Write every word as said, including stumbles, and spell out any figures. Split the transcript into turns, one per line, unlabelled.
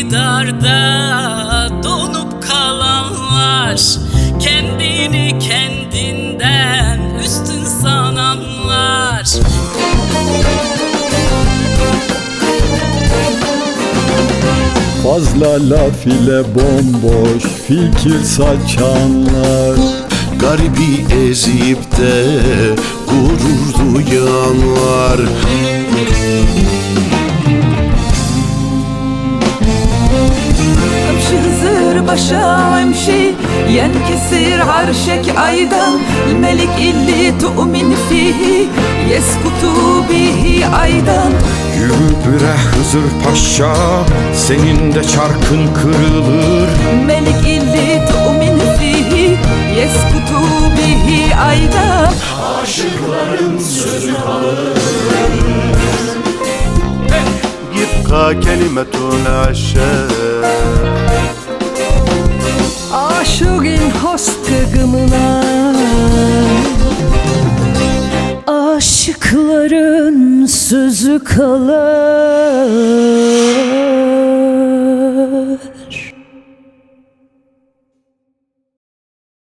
iktidarda donup kalanlar, kendini kendinden üstün sananlar.
Fazla laf ile bomboş fikir saçanlar,
garibi ezip de gurur duyanlar.
امشي خزر باشا وامشي ينكسر عرشك أيضا. الملك اللي تؤمن فيه يسكت به أيضا.
Yürü bre Hızır Paşa, senin de çarkın kırılır.
الملك اللي تؤمن فيه يسكت به أيضا.
Aşıkların sözü kalır. Yibqa kelimetun aşağı.
Aşığın hastigimine, aşıkların sözü kalır.